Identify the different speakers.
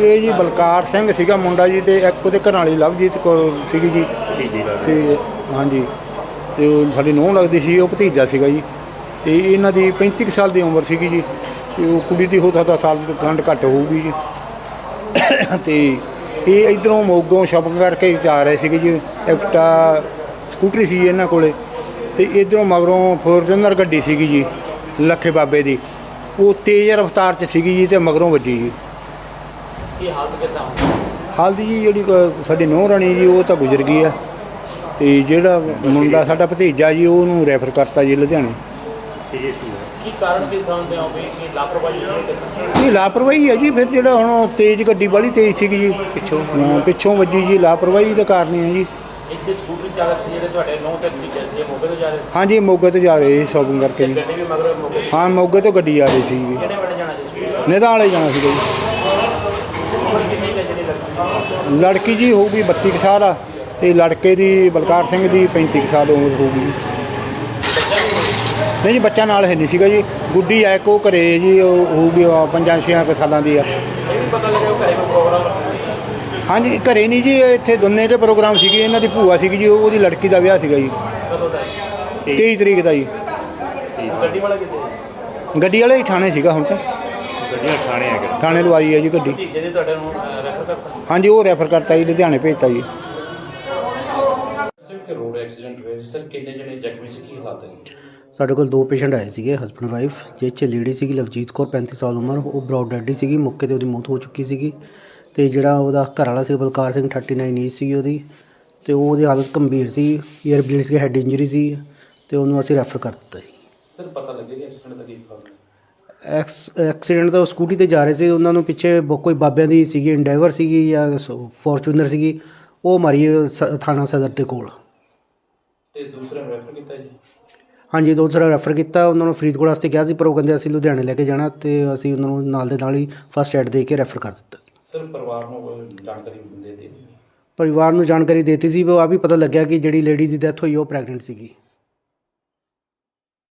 Speaker 1: ਇਹ ਜੀ ਬਲਕਾਰ ਸਿੰਘ ਸੀਗਾ ਮੁੰਡਾ ਜੀ, ਅਤੇ ਇੱਕ ਉਹਦੇ ਘਰ ਵਾਲੀ ਲਵਜੀਤ ਕੌਰ ਸੀਗੀ ਜੀ। ਅਤੇ ਹਾਂਜੀ, ਅਤੇ ਉਹ ਸਾਡੀ ਨੂੰਹ ਲੱਗਦੀ ਸੀ, ਉਹ ਭਤੀਜਾ ਸੀਗਾ ਜੀ। ਅਤੇ ਇਹਨਾਂ ਦੀ 35 ਕੁ ਸਾਲ ਦੀ ਉਮਰ ਸੀਗੀ ਜੀ, ਅਤੇ ਉਹ ਕੁੜੀ ਦੀ ਹੋ ਸਕਦਾ ਸਾਲ ਖੰਡ ਘੱਟ ਹੋਊਗੀ ਜੀ। ਅਤੇ ਇਹ ਇੱਧਰੋਂ ਮੋਗੋਂ ਸ਼ੋਪਿੰਗ ਕਰਕੇ ਜਾ ਰਹੇ ਸੀਗੇ ਜੀ। ਐਕਟਾ ਸਕੂਟਰੀ ਸੀ ਇਹਨਾਂ ਕੋਲ, ਅਤੇ ਇੱਧਰੋਂ ਮਗਰੋਂ ਫੋਰਚੂਨਰ ਗੱਡੀ ਸੀਗੀ ਜੀ ਲੱਖੇ ਬਾਬੇ ਦੀ, ਉਹ ਤੇਜ਼ ਰਫ਼ਤਾਰ 'ਚ ਸੀਗੀ ਜੀ, ਅਤੇ ਮਗਰੋਂ ਵੱਜੀ ਜੀ।
Speaker 2: ਕੀ ਹਾਲਤ ਕਿੱਦਾਂ?
Speaker 1: ਹਾਲਤ ਜੀ ਜਿਹੜੀ ਸਾਡੀ ਨੂੰਹ ਰਾਣੀ ਜੀ ਉਹ ਤਾਂ ਗੁਜ਼ਰ ਗਈ ਆ, ਅਤੇ ਜਿਹੜਾ ਮੁੰਡਾ ਸਾਡਾ ਭਤੀਜਾ ਜੀ ਉਹਨੂੰ ਰੈਫਰ ਕਰਤਾ ਜੀ ਲੁਧਿਆਣੇ।
Speaker 2: ਕੀ ਕਾਰਨ ਕੀ ਸਮਝਦੇ ਹੋ ਵੀ ਕਿ ਲਾਪਰਵਾਹੀ ਹੋਈ?
Speaker 1: ਇਹ ਲਾਪਰਵਾਹੀ ਹੈ ਜੀ। ਫਿਰ ਜਿਹੜਾ ਹੁਣ ਤੇਜ਼ ਗੱਡੀ ਵਾਲੀ ਤੇਜ਼ ਸੀਗੀ ਜੀ, ਪਿੱਛੋਂ ਵੱਜੀ ਜੀ, ਲਾਪਰਵਾਹੀ ਦਾ ਕਾਰਨ ਹੀ ਹੈ ਜੀ।
Speaker 2: ਇੱਥੇ ਸਕੂਟਰੀ ਚਾਲਕ ਜਿਹੜੇ ਤੁਹਾਡੇ ਨੌਂ ਤੇ ਭਤੀਜੇ ਸੀ, ਮੋਗੇ ਤੋਂ ਜਾ ਰਹੇ ਸੀ?
Speaker 1: ਹਾਂਜੀ, ਮੋਗੇ ਤੋਂ ਜਾ ਰਹੇ ਸੀ ਸ਼ੋਪਿੰਗ ਕਰਕੇ ਜੀ।
Speaker 2: ਗੱਡੀ ਵੀ ਮਗਰ ਮੋਗੇ?
Speaker 1: ਹਾਂ, ਮੋਗੇ ਤੋਂ ਗੱਡੀ ਆ ਰਹੀ ਸੀ ਜੀ।
Speaker 2: ਕਿਹੜੇ ਪਿੰਡ ਜਾਣਾ ਸੀ?
Speaker 1: ਨਿਧਾਂ ਵਾਲੇ ਜਾਣਾ ਸੀਗਾ ਜੀ।
Speaker 2: ਉਮਰ ਕਿੰਨੀ ਕੁ ਹੈ ਜਿਹੜੀ ਲੜਕੀ?
Speaker 1: ਲੜਕੀ ਜੀ ਹੋਊਗੀ 32 ਕੁ ਸਾਲ ਆ, ਅਤੇ ਲੜਕੇ ਦੀ ਬਲਕਾਰ ਸਿੰਘ ਦੀ 35 ਕੁ ਸਾਲ ਉਮਰ ਹੋਊਗੀ ਜੀ। ਨਹੀਂ ਜੀ, ਬੱਚਾ ਨਾਲ ਹੈ ਨਹੀਂ ਸੀਗਾ ਜੀ। ਗੁੱਡੀ ਆ ਇੱਕ ਉਹ ਘਰੇ ਜੀ, ਉਹ ਹੋਊਗੀ 5-6 ਕੁ ਸਾਲਾਂ ਦੀ ਆ।
Speaker 2: ਇਹ ਵੀ ਪਤਾ ਲੱਗਿਆ ਉਹ ਘਰੇ ਕੋਈ ਪ੍ਰੋਗਰਾਮ?
Speaker 1: ਹਾਂਜੀ, ਘਰੇ ਨਹੀਂ ਜੀ, ਇੱਥੇ ਦੋਨੇ ਕੇ ਪ੍ਰੋਗਰਾਮ ਸੀਗੇ। ਇਹਨਾਂ ਦੀ ਭੂਆ ਸੀਗੀ ਜੀ, ਉਹਦੀ ਲੜਕੀ ਦਾ ਵਿਆਹ ਸੀਗਾ ਜੀ,
Speaker 2: ਕਦੋਂ ਦਾ?
Speaker 1: 23 ਤਰੀਕ ਦਾ ਜੀ।
Speaker 2: ਗੱਡੀ ਵਾਲਾ ਕਿੱਥੇ?
Speaker 1: ਗੱਡੀ ਵਾਲਾ ਹੀ ਥਾਣੇ ਸੀਗਾ। ਹੁਣ ਤਾਂ
Speaker 2: ਗੱਡੀਆਂ ਥਾਣੇ ਆ ਗਏ?
Speaker 1: ਥਾਣੇ ਲਵਾਈ ਹੈ ਜੀ ਗੱਡੀ।
Speaker 2: ਭਤੀਜੇ ਦੇ ਤੁਹਾਡੇ ਨੂੰ ਰੈਫਰ ਕਰਤਾ?
Speaker 1: ਹਾਂਜੀ, ਉਹ ਰੈਫਰ ਕਰਤਾ ਜੀ, ਲੁਧਿਆਣੇ ਭੇਜਤਾ ਜੀ।
Speaker 2: ਸਰ, ਕਿ ਰੋਡ ਐਕਸੀਡੈਂਟ ਹੋਇਆ ਸਰ, ਕਿੰਨੇ ਜਣੇ ਜ਼ਖਮੀ ਸੀ, ਕੀ ਹਾਲਾਤ ਹੈ?
Speaker 3: ਸਾਡੇ ਕੋਲ 2 ਪੇਸ਼ੈਂਟ ਆਏ ਸੀਗੇ, ਹਸਬੈਂਡ ਵਾਈਫ, ਜਿਸ 'ਚ ਲੇਡੀ ਸੀਗੀ ਲਵਜੀਤ ਕੌਰ 35 ਸਾਲ ਉਮਰ, ਉਹ ਬਰੌਡ ਡੈਡੀ ਸੀਗੀ, ਮੌਕੇ 'ਤੇ ਉਹਦੀ ਮੌਤ ਹੋ ਚੁੱਕੀ ਸੀਗੀ। ਅਤੇ ਜਿਹੜਾ ਉਹਦਾ ਘਰ ਵਾਲਾ ਸੀ ਬਲਕਾਰ ਸਿੰਘ 39 ਏਜ ਸੀਗੀ ਉਹਦੀ, ਅਤੇ ਉਹਦੀ ਹਾਲਤ ਗੰਭੀਰ ਸੀ, ਈਅਰ ਬਲੀਡ ਸੀ, ਹੈਡ ਇੰਜਰੀ ਸੀ, ਅਤੇ ਉਹਨੂੰ ਅਸੀਂ ਰੈਫਰ ਕਰ ਦਿੱਤਾ ਜੀ।
Speaker 2: ਸਰ, ਪਤਾ ਲੱਗੇਗਾ ਐਕਸੀਡੈਂਟ ਦਾ ਕੀ ਕਾਰਨ?
Speaker 3: ਐਕਸੀਡੈਂਟ ਤਾਂ ਉਹ ਸਕੂਟੀ 'ਤੇ ਜਾ ਰਹੇ ਸੀ, ਉਹਨਾਂ ਨੂੰ ਪਿੱਛੇ ਕੋਈ ਬਾਬਿਆਂ ਦੀ ਸੀਗੀ, ਇੰਡੈਵਰ ਸੀਗੀ ਜਾਂ ਫੋਰਚੂਨਰ ਸੀਗੀ, ਉਹ ਮਾਰੀ ਥਾਣਾ ਸਦਰ ਦੇ ਕੋਲ।
Speaker 2: ਤੇ ਦੂਸਰਾ ਰੈਫਰ ਕੀਤਾ ਜੀ?
Speaker 3: ਹਾਂਜੀ, ਦੂਸਰਾ ਰੈਫਰ ਕੀਤਾ। ਉਹਨਾਂ ਨੂੰ ਫਰੀਦਕੋਟ ਵਾਸਤੇ ਕਿਹਾ ਸੀ, ਪਰ ਉਹ ਕਹਿੰਦੇ ਅਸੀਂ ਲੁਧਿਆਣੇ ਲੈ ਕੇ ਜਾਣਾ, ਅਤੇ ਅਸੀਂ ਉਹਨਾਂ ਨੂੰ ਨਾਲ ਦੇ ਨਾਲ ਹੀ ਫਸਟ ਐਡ ਦੇ ਕੇ ਰੈਫਰ ਕਰ ਦਿੱਤਾ।
Speaker 2: ਸਰ, ਪਰਿਵਾਰ ਨੂੰ ਕੋਈ ਜਾਣਕਾਰੀ ਦੇ ਦਿੱਤੀ?
Speaker 3: ਪਰਿਵਾਰ ਨੂੰ ਜਾਣਕਾਰੀ ਦਿੱਤੀ ਸੀ, ਉਹ ਆ ਵੀ ਪਤਾ ਲੱਗਿਆ ਕਿ ਜਿਹੜੀ ਲੇਡੀ ਦੀ ਡੈਥ ਹੋਈ ਉਹ ਪ੍ਰੈਗਨੈਂਟ ਸੀਗੀ।